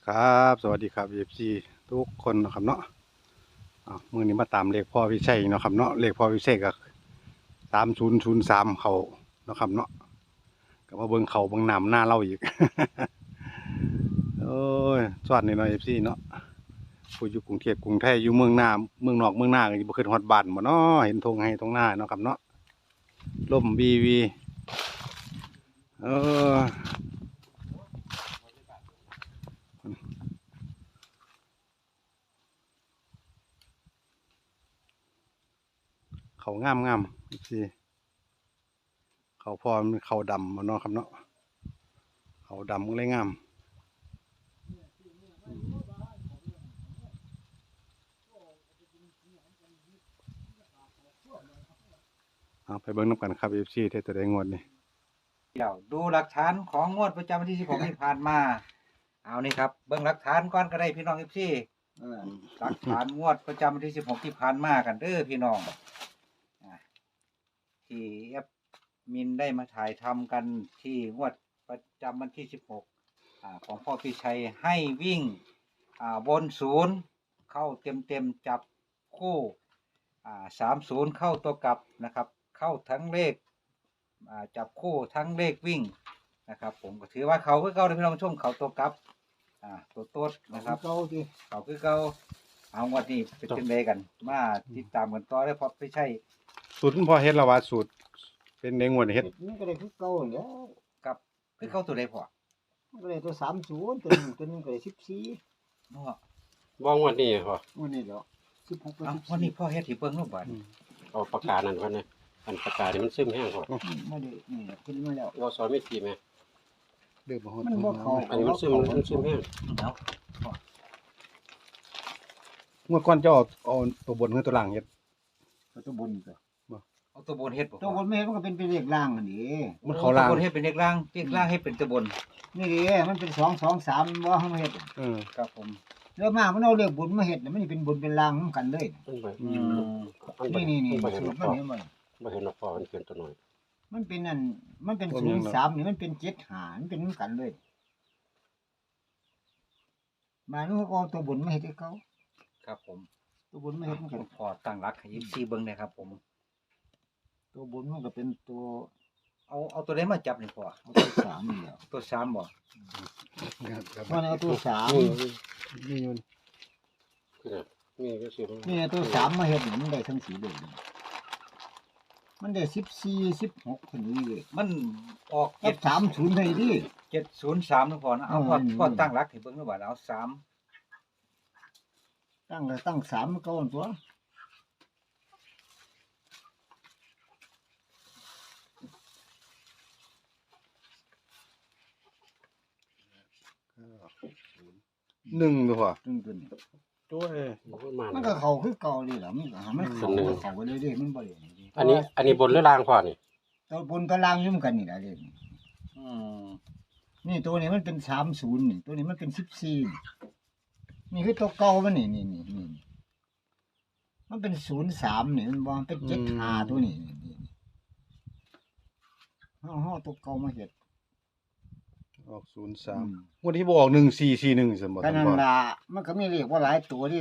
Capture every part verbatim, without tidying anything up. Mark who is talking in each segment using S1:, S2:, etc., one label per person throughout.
S1: ครับสวัสดีครับ เอฟ ซี ทุกคนนะครับเนาะอ่ามื้อนี้มาตามเลขพ่อวิชัยเนาะครับเนาะเลขพ่อวิชัยก็สามศูนย์ศูนย์สามเขาเนาะครับเนาะก็มาเบิ่งเขาเบิ่งน้ำหน้าเราอีก โอ้ยสวัสดีเนาะ เอฟ ซี เนาะผู้อยู่กรุงเทพกรุงไทยอยู่เมืองหน้าเมืองนอกเมืองหน้าก็บ่ขึ้นฮอดบ้านบ่เนาะเห็นทงให้ทงหน้าเนาะครับเนาะลมวีวีเออเขางามงามสิเขาพอมันเขาดำมาเนาะครับเนาะเขาดำก็เลยงามเอาไปเบิ้งน้ำกันครับ เอฟ ซี เทตัวได้งวดนี่
S2: เดี๋ยวดูหลักฐานของงวดประจำวันที่สิบหกที่ผ่านมา เอานี่ครับเบิ่งหลักฐานก่อนก็ได้พี่น้องทุกที่หลักฐานงวดประจำวันที่สิบหกที่ผ่านมากันเด้อพี่น้องอ่าที่แอปมินได้มาถ่ายทำกันที่งวดประจำวันที่สิบหกอ่าของพ่อพี่ชัยให้วิ่งอ่าบนศูนย์เข้าเต็มเต็มๆจับคู่อ่าสามศูนย์เข้าตัวกลับนะครับ เข้าทั้งเลขอ่าจับคู่ทั้งเลขวิ่งนะครับ ผมก็ถือว่าเขาคือเก่าเลยพี่น้องชมเขาตัวกลับอ่าตัวโต๊ดนะครับเขาคือเขาคือเก่าเอางวดนี้เป็นจังไดกันมาติดตามกันต่อได้เพราะไม่ใช่
S1: สูตรคุณพ่อเฮ็ดและว่าสูตรเป็นในงวดนี่เฮ็ด
S3: มันก็ได้คือเก่าแล้ว
S2: กับคือเข้าตัวใดพอ
S3: มันก็ได้ตัวสามศูนย์ตัวหนึงตัวหนึงก็ได้สิบสี่
S2: เนาะ
S4: บ่งวดนี้พอ
S3: วันนี้แล้วสิบหกกับ
S2: เอา
S3: สิบ
S2: วัน
S3: สี่
S2: นี้พ่อเฮ็ดที่เบิ่งรูปบัด
S4: เอาปากกานั่นก่อนนะอันปากกานี่มันซึมแห้งพอ
S3: ไม่ได้นี่ขึ้นมาแล้ว
S4: เราสอนวิธีไหม
S1: เด้อบ่ฮอด
S3: มันบ่เข้า
S4: อันนี้มันซึมมันซึมแห้ง
S2: เอา
S1: งวดก่อนเจ้าเอาเอาตัวบนคือตัวล่างเฮ็ด
S3: ตัวบนก็
S2: เอาตัวบนเฮ็ดบ่
S3: ตัวบนไม่เห็นมันก็เป็นเป็นเลขล่างอันนี้
S1: มันเข้าล่าง
S2: ตัวบนเฮ็ดเป็นเลขล่างเลขล่างให้เป็นตัวบน
S3: นี่ดิมันเป็นสองสองสามบ่เฮามาเฮ็ด
S1: เออ
S2: ครับผม
S3: แล้วมามันเอาเลขบนมาเฮ็ดน่ะมันสิเป็นบนเป็นล่างนำกันเลย
S4: มันไป
S1: อื
S2: อื
S1: ม
S2: ม
S4: มันไป
S3: นี่นี่นี่
S4: มันไปเห็น
S3: สู
S4: หร
S3: ต
S4: อ
S3: ร
S4: ก
S3: มัน
S4: พอ
S3: เห็นบ่
S4: ไม่เห็นหรอกพอมันเกินตัวหน่อย
S3: มันเป็นนั่นมันเป็นศูนย์สามนี่มันเป็นเจ็ดห้ามันเป็นนำกันเลยมานูก็เอาตัวบนมาเฮ็ดให้เขา
S2: ครับผม
S3: ตัวบนมาเฮ็ดมันกัน
S2: พอตั้งรักให้ยี่สิบสี่เบิ่งได้ครับผม
S3: ตัวบนมันก็เป็นตัว
S2: เอาเอาตัวใดมาจับนี่พ่อ
S3: เอาตัวสามนี่แหล้ว
S2: ตัวสามบ่
S3: เพราะเอาตัวสาม
S1: นี่อยู่
S4: คือน่ะนี่ก็สิ
S3: นี่ตัวสามมาเฮ็ดนี่มันได้ทั้งสีเลยมันได้สิบสี่สิบหกคนนี้เลย
S2: มันออก
S3: เจ็
S2: เจ็
S3: ด
S2: ด
S3: สามศูนย์ให้ดิ
S2: เจ็ดศูนย์สามนะพ่อนะเอาพ่อ
S3: อืม
S2: พ่อตั้งรักให้เบิ่งดูบัดเอาสาม
S3: ตั้งก็ตั้งสามเก้าตัว
S1: หนึ่งตัวพ่อ
S3: ตึ้งตัวนี้
S1: ตัวเอ้ย
S4: มันมา
S3: มันก็เข้าคือเก่านี่แหละมันก็หามันเข้าเข้าไปเลยดิมันบ่ได้
S4: อันนี้อันนี้บนหรือล่างพอนี่
S3: ตัวบนตัวล่างอยู่เหมือนกันนี่แหละเด้
S2: อืม
S3: นี่ตัวนี้มันเป็นสามศูนย์นี่ตัวนี้มันเป็นสิบสี่นี่คือตัวเก่ามันนี่นี่นี่นี่มันเป็นศูนย์สามนี่มันบ่มันเป็นเจ็ดห้าตัวนี้นี่นี่เฮาเฮาตัวเก่ามาเฮ็ด
S1: ออกศูนย์สามงวดที่บ่ออกหนึ่งสี่สี่หนึ่งซั่นบ่
S3: ก็
S1: ท่าน
S3: นั่น
S1: พ่อ
S3: ล่ะมันก็มีเลขว่าหลายตัวดิ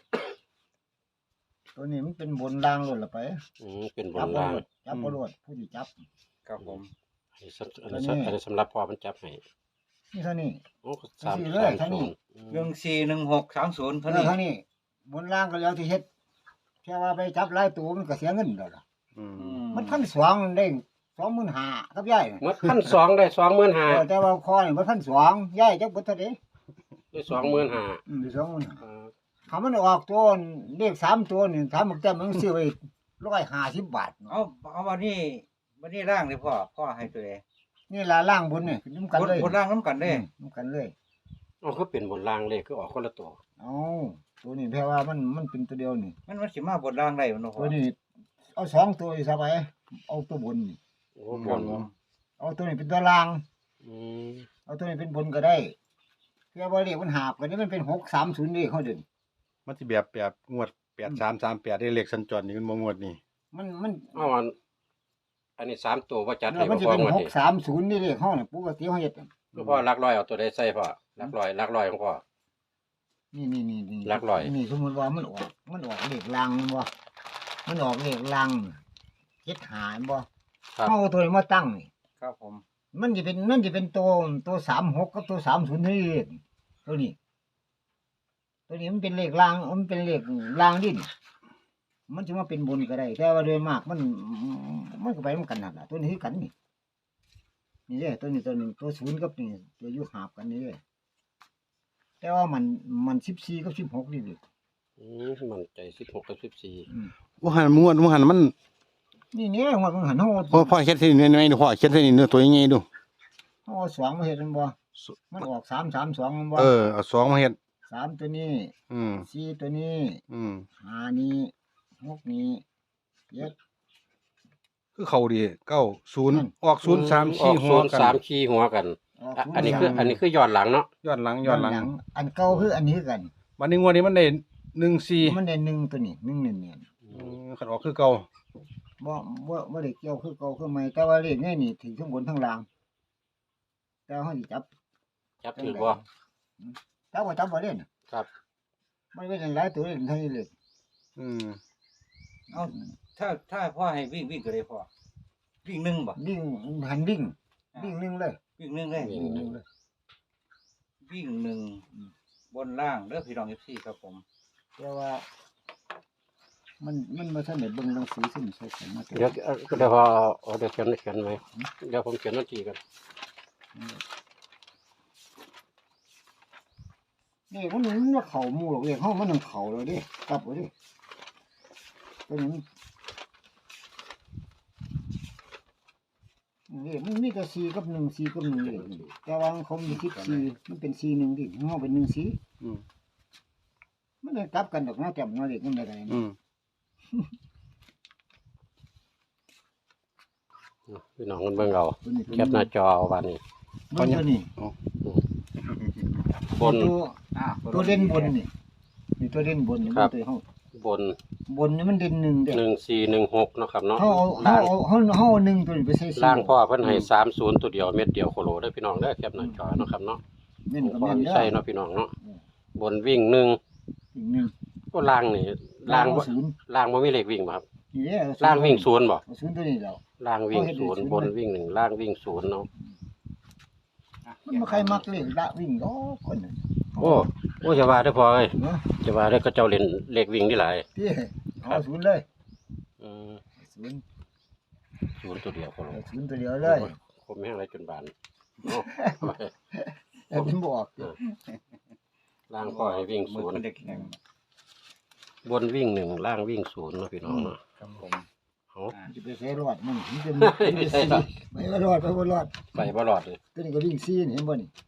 S3: ตัวนี้มันเป็นบนล่างโลดละไป
S4: อืมเป็นบ
S3: จั
S4: น
S3: บบ่
S4: ล่าง
S3: โลดจับบ่โลดผู้ที่จับ
S2: ครับผม
S4: อันนี้สำอันนี้สำอันนี้สำหรับพอมันจับให้
S3: นี่เท่านี้
S4: โอ้สาม
S3: สี่เลย
S4: สาม
S3: เท่านี้
S4: ศูนย์อืม
S2: หนึ่งสี่หนึ่งหกสามศูนย์เท่า
S3: เท่า
S2: นี้
S3: เท่านี้ บนล่างก็แล้วที่เฮ็ดแค่ว่าไปจับหลายตัวมันก็เสียเงินแล้วล่ะ
S1: อืม
S2: อื
S3: มันพันสองได้สองหมื่นห้าครับยาย
S4: หมดพันสองได้สองหมื่นห้า
S3: เออแต่ว่าคอนี่มันพันสองยายจักเบิดเท่าใด
S4: ได้สองหมื่นห้า
S3: อืมได้สองหมื่นห้า
S4: อ่า
S3: ถ้ามันออกตัวเลขสามตัวนี่ถ้ามันแต้มมันซื้อไว้ร้อยห้าสิบบาทเนาะ
S2: เอาเอาวันนี้วันนี้ร่างเลยพ่อพ่อให้ตัวใด
S3: นี่ล่ะล่างบนนี่ขึ้นำกัน
S2: บน
S3: เลย
S2: บนร่างน้ำกันเด้
S3: อืมนำกันเลย
S4: เอาคือเป็นบนล่างเลยคือออกคนละตัว
S3: เอาตัวนี้แปลว่ามันมันเป็นตัวเดียวนี่
S2: มันมันสิมาบนร่างได้บ่เนาะพ่
S3: ตั
S2: อ
S3: วนี้เอาสองตัวอีกซะไปเอาตัวบนนี่
S4: โอ้บน
S3: เอาตัวนี้เป็นตัวล่าง
S4: อืม
S3: เอาตัวนี้เป็นบนก็ได้เพื่อบ่เลขมันหาบกันนี่มันเป็นหกสามศูนย์นี่เขาเดิน
S1: มันสิแบบแบบงวดแปดสามสามแปดได้เลขสัญจรนี่มันบ่งวดนี่
S3: มันมัน
S4: เอาอันอันนี้สามตัวว่าจัด
S3: เอ
S4: ให้
S3: อมัน
S4: บ่
S3: จะ
S4: พอ
S3: เป็น
S4: หมด
S3: ห
S4: นี่
S3: กสามศูนย์นี่เลขเขาเนี่ยปกติเขาเฮ็ด
S4: คือพ่อลักร้อยเอาตัวใดใส่พ่อลักร้อยลักร้อยของพ่อ
S3: นี่นี่นี่นี่
S4: หลักร้อย
S3: นี่สมมติว่ามันออกมันออกเลขลังบ่มันออกเลขลังเจ็ดหารบ่
S4: ครับ
S3: เขาเอาตัวนี้มาตั้งนี่
S2: ครับผม
S3: มันจะเป็นมันจะเป็นตัวตัวสามหกกับตัวสามศูนย์นี่ตัวนี้ ตัวนี้มันเป็นเลขลางมันเป็นเลขลางดินมันจะมาเป็นบนก็ได้แต่ว่าโดยมากมันมันก็ไปมันกันนั่นแหละตัวนี้คือกันนี่นี่เลยตัวนี้ตัวหนึ่งตัวศูนย์กับนี่ตัวอยุหาบกันนี่เลยแต่ว่ามันมันสิบสี่กับสิบหกนี่ดิ
S4: อืมมันใจสิบหกกับสิบสี่
S3: อืม
S1: ว่าหันมวนว่าหันมัน
S3: นี่เนี่ยหัวมันหันห้อ
S1: พ่อพ่อเขียนเส้นนี้น้อยๆดูพ่อเขียนเส้นนี้เนื้อตัวยังไงดู
S3: ห้อสองมาเห็นมันบ่มันออกสามสามสองมันบ่
S1: เออเอาสองมาเฮ็ด
S3: สามตัวนี้
S1: อืม
S3: สี่ตัวนี้
S1: อืม
S3: ห้านี้หกนี้เจ็ด
S1: คือเขาดีเก้าศูนย์
S3: อืม
S1: ออกศูนย์สาม
S4: อ
S1: สี่
S4: อก
S1: หั
S4: ศู
S1: วน
S4: ย์
S1: กัน
S4: สามขี้หัวกัน
S3: ออก
S4: อ่ะ
S3: ศูย์
S4: อันนี้คือ
S3: สาม
S4: อันนี้คือย้อนหลังเนาะ
S1: ย้อนหลังย้อนหลัง
S3: อันเก่าคืออันนี้คือกัน
S1: วันนี้งวดนี้มันได้หนึ่งสี่
S3: มันได้หนึ่งตัวนี้หนึ่งเนี่ยเนี่ย
S1: อืมขันออกคือเก่า
S3: บ่บ่บ่ได้เกี่ยวคือเก่าคือใหม่แต่ว่าเลขนี่นี่ถึงทั้งบนทั้งล่าง แต่เฮาสิจับ
S4: จับถือบ่
S3: จับบ่จับบ่เล่น
S4: ครับ
S3: มันเป็นหลายตัวเล่นเท่านี้เลย
S1: อืม
S2: เอาถ้าถ้าพ่อให้วิ่งวิ่งก็ได้พ่อวิ่งหนึ่งบ่
S3: วิ่งหันวิ่งวิ่งหนึงเลย
S2: วิ่งหนึ่งเลย
S4: วิ่งหนึ่ง
S3: เลย
S2: วิ่งหนึ่งบนล่างเด้อพี่น้องเอฟซีครับผม
S3: แต่ว่า มันมันบ่ทันได้เบิ่งหนังสือซึ่งใส่กันมาแต่
S4: เดี๋ยวเอ่อเดี๋ยวพอเอาเดี๋ยวเขียนเขียนไว้เดี๋ยวผมเขียนวันที่กัน
S3: นี่มันมันว่าเข้าหมู่หรอกเลขเฮามันต้องเข้าแล้วเด้กลับเอาเด้ตัวนี้มันนี่มันมีแต่สี่กับหนึ่งสี่กับหนึ่งเลยแต่ว่าของเขามีสิบสี่มันเป็นสี่หนึ่งดิเฮาเป็นหนึ่งสี่
S1: อืม
S3: มันเลยกลับกันดอกนะแต่มาเล็กมันได้ไง
S1: อืม
S4: พี่น้องกันเบิ่งเอา
S3: ตัวนี้ตัว
S4: แคปหน้าจอเอาวันนี้
S3: ตัวนี้
S4: บน
S3: ตัว
S2: อ่า
S3: ตัวเด่นบนนี่นี่ตัวเด่นบนนี่
S4: ครับ
S3: ตัวเฮา
S4: บน
S3: บนนี่มันเด่นหนึ่งเด้
S4: หนึ่งสี่หนึ่งหกเนาะครับเนาะ
S3: เฮาเอาเฮา
S4: ล่าง
S3: เอาเฮาเฮาเอาหนึ่งตัวนี้ไปใส่สี่
S4: ล่างพ่อเพิ่นให้สามศูนย์ตัวเดียวเม็ดเดียวโคโลได้อพี่น้องเด้อแคปหน้าจอเนาะครับเนาะ
S3: เม่นกับ
S4: พ่อ
S3: แม่น
S4: วิ
S3: เด้อ
S4: ชัยเนาะพี่น้องเนาะ
S3: อืม
S4: บนวิ่งหนึ่ง
S3: อีกหนึ่ง
S4: ก็ล่างนี่ล่างบ่
S3: ศูนย์
S4: ล่างบ่มีเลขวิ่งบ่ครับ
S3: นี่เด้อ
S4: ล่างวิ่งศูนย์บ่
S3: เอาศูนย์ตัวนี้แล้ว
S4: ล่างวิ่ง
S3: เอาเฮ็ด
S4: ศูนย์
S3: ศูนย์
S4: บน
S3: เลย
S4: วิ่งหนึ่งล่างวิ่งศูนย์เนาะ
S3: มันบ่ใครมักเลขละวิ่งดอกคนนึง
S4: โอ้โอ้จะว่าได้อพอเอ้ย
S3: เนาะ
S4: จะว่าได้อเขาเจ้าเล่นเลขวิ่งที่หลาย
S3: พี่เอาศูนย์เลย
S4: อืม
S3: ศูนย์
S4: ศูนย์ตัวเดียวโคโล
S3: เอาศูนย์ตัวเดียวเลย
S4: คมแห้งไรจนบานโอ้
S3: แต่ผมบอก
S4: ล่างพ่อให้วิ่ง
S2: มื
S4: ศู
S2: อน
S4: ย์
S2: คนเด็กแข็ง
S4: บนวิ่งหนึ่งล่างวิ่งศูนย์เนาะพี่น้องเนาะ
S2: ครับผม
S4: เอา
S2: อ่า
S3: จะไปใช้รอดมันมันจะมันจะสี่ไม่ว่ารอดไปบ่รอด
S4: ไปบ่รอดเลย
S3: ตัวนี้ก็วิ่งซีนี่เห็นบ่นี่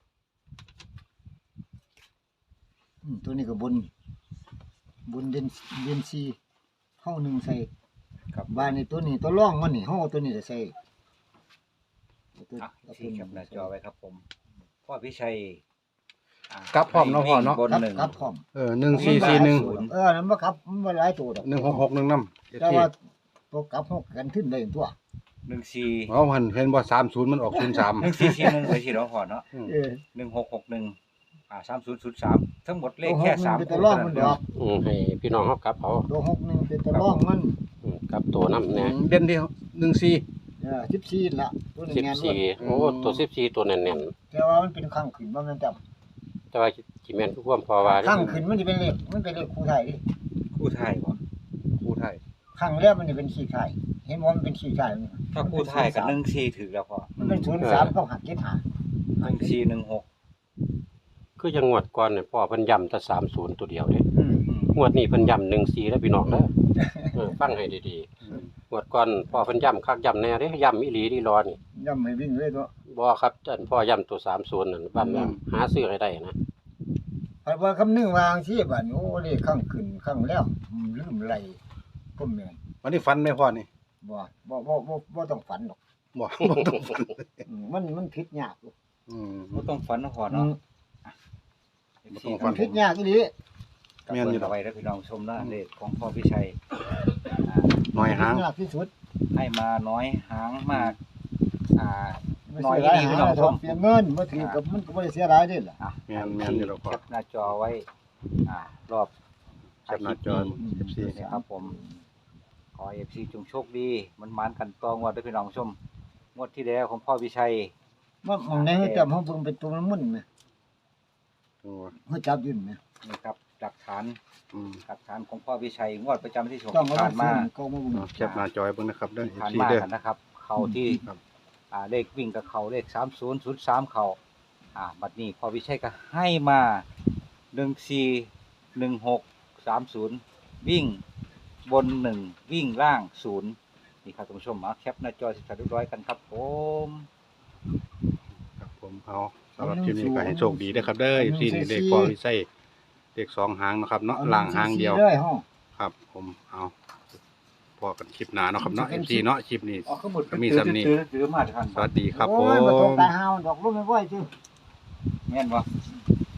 S3: อืมตัวนี้ก็บน บนเดนเดนซีเฮาหนึ่งใส่
S2: ครับ
S3: บ้านนี่ตัวนี้ตัวร่องมันนี่เฮาเอาตัวนี้จะใส่เอาตัว
S2: อ่ะ
S3: เอาตั
S2: ที่
S3: วนี้
S2: แคปหน้าจอไว้ครับผมพ่อพิชัยอ่ะ
S1: กลับพร้อมเนาะพ่อเนาะ
S2: วิ่งบน
S3: ครับ
S2: หนึ่ง
S3: ครับพร้อม
S1: เออหนึ่งสี่สี่หนึ่ง
S3: เออนั่นบ่ครับมันบ่หลายตัวดอก
S1: หนึ่งหกหกหนึ่งน้ำ
S3: แต่ว่าตัวกลับเฮากันขึ้นได้ตัว
S2: หนึ่งสี่
S1: เอาหันเห็นว่าสามศูนย์มันออกศูนย์สาม
S2: หนึ่งสี่สี่หนึ่งไปสี่ร้อยพอเนาะ
S3: เออ
S2: หนึ่งหกหกหนึ่งอ่าสามศูนย์ศูนย์สามทั้งหมดเลข
S3: ตัวห
S2: แค่
S3: กหนึ่
S2: สาง ม
S3: เป็น
S2: ตั
S3: ตัว
S2: ว
S3: ร่อง
S2: เท่า
S3: มั
S2: นั้น น
S3: ด
S2: เดีย
S3: อ
S2: ว
S3: ก
S4: อืมให้พี่น้องเขากลับเอา
S3: ตัวหกหนึ่งเป็นตัวร่องมัน
S4: อืมกลับตัวน้ำเนี่ย
S1: เด่นที่หนึ่งสี่
S3: เออสิบสี่ละตัวนี้
S4: สิบ
S3: แม่นบ่
S4: สี่โอ้ตัวสิบสี่ตัวแน่น
S3: แต่ว่ามันเป็นข้างขึ้นบ่แม่นจับ
S4: ๆแต่ว่าจิแมนคือความพอว่าเด้
S3: ข้างขึ้นมันจะเป็นเลขมันเป็นเลขคู่ไทยดิ
S2: คู่ไทยบ่
S1: คู่ไทย
S3: ข้างแรกมันจะเป็นขี้ไทยเห็นว่ามันเป็นขี้ไทยมัน
S2: ถ้าคู่ไทยกับหนึ่งสี่ถือแล้วพอ
S3: มันเป็นศูนย์สามกับหักเจ็ดหา
S2: หนึ่งสี่หนึ่งหก
S4: คือยังงวดก่อนเนี่ยพ่อเพิ่นย้ำแต่สามศูนย์ตัวเดียวเด้
S3: อืม
S2: อืม
S4: งวดนี้เพิ่นย้ำหนึ่งสี่แล้วพี่น้องเด้อเออฟังให้ดีๆงวดก่อนพ่อเพิ่นย้ำคักย้ำแน่เด้ย้ำอีหลีดีรอนี่
S3: ย่ำไม่วิ่งเลยตัว
S4: บ่ครับอันพ่อย้ำตัวสามศูนย์นั่นบ้านนั้นหาซื้อให้ได้นะ
S3: เพราะว่าคำนึงวางชีบัดนี้โอ้เลขข้างขึ้นข้างแล้วอืมลืมไหลก็แม่น
S1: วันนี้ฟันไหม่พ่อนี่
S3: บ่บ่บ่บ่บ่ต้องฝันหรอก
S1: บอกบ่ต้องฟัน
S3: อืมมันมันผิดยากอยู่
S1: อืม
S2: บ่ต้องฝันนะพอ
S3: อื
S2: เนาะ
S3: ม
S1: บ่ต้องฝั
S3: มันผิดยากอีหลี
S2: กับเบิ่งเอาไว้แล้วพี่น้องชมนะเลขของพ่อพิชัยอ่า
S1: หน่อยหาง
S3: ผิดยากที่สุด
S2: ให้มาน้อยหางมาก อ่า
S3: ไม่
S2: น้อย
S3: เสียหลาย
S2: อีหลี
S3: หา
S2: พี่น้อง
S3: เสียเงินบ่ถือกับมันก็บ่ได้เสียหลายเด้ล่ะ
S2: อ่ะ
S1: แม่นแม่นอยู่แล้วพ่อ
S2: แคปหน้าจอไว้อ่ารอบ
S1: แคปหน้าจอ เอฟ ซี
S2: นี่ครับผม ขอ เอฟ ซี จงโชคดีมันมันๆกันต่องวดด้วยพี่น้องผู้ชมงวดที่แล้วของพ่อวิชัย
S3: มันมองได้ให้จับเฮาเบิ่งเป็นตัวมันมุ่นแหม
S1: ตัว
S3: เฮาจับอยืนแหม
S2: นี่ครับหลักฐาน
S1: อืม
S2: หลักฐานของพ่อวิชัยงวดประจำวันที่สิบหก
S3: ต้อง
S2: ที่
S3: เอา
S2: ผ่านมา
S3: เก็มาเบิ่ง
S1: เอาแคปหน้าจอไว้เบิ่งนะครับเด้อ
S2: ที่ผ่าน
S1: เอฟ ซี
S2: มา
S1: เด้อ
S2: กันนะครับ เขาที่
S1: ครับ
S2: อ่าเลขวิ่งกับเขาเลขสามศูนย์ศูนย์สามเขาอ่าบัดนี้พ่อวิชัยก็ให้มาหนึ่งสี่หนึ่งหกสามศูนย์วิ่งบนหนึ่งวิ่งล่างศูนย์นี่ครับท่านผู้ชมมาแคปหน้าจอสิบสามเรียบร้อยกันครับผม
S1: ครับผมเอาสำหรับคลิปนี้ก็ให้โชคดีนะครับเด้อ เอฟ ซี นี่เลขพอวิเศษเลขสองหางเนาะครับเนาะล่างหางเดียว
S3: เลยเฮา
S1: ครับ ผมเอาพอกันคลิปหน้าเนาะครับเนาะ เอฟ ซี เนาะคลิปนี้
S2: อ๋อข้างบน
S1: ก็มีสำนี
S2: ตื้อตื้อมาทัน
S1: สวัสดีครับผ
S3: โอ้ยบ่ตก
S1: ม
S3: ตายหาดอกลูกไม่ไหวซื่อ
S2: แม่นบ่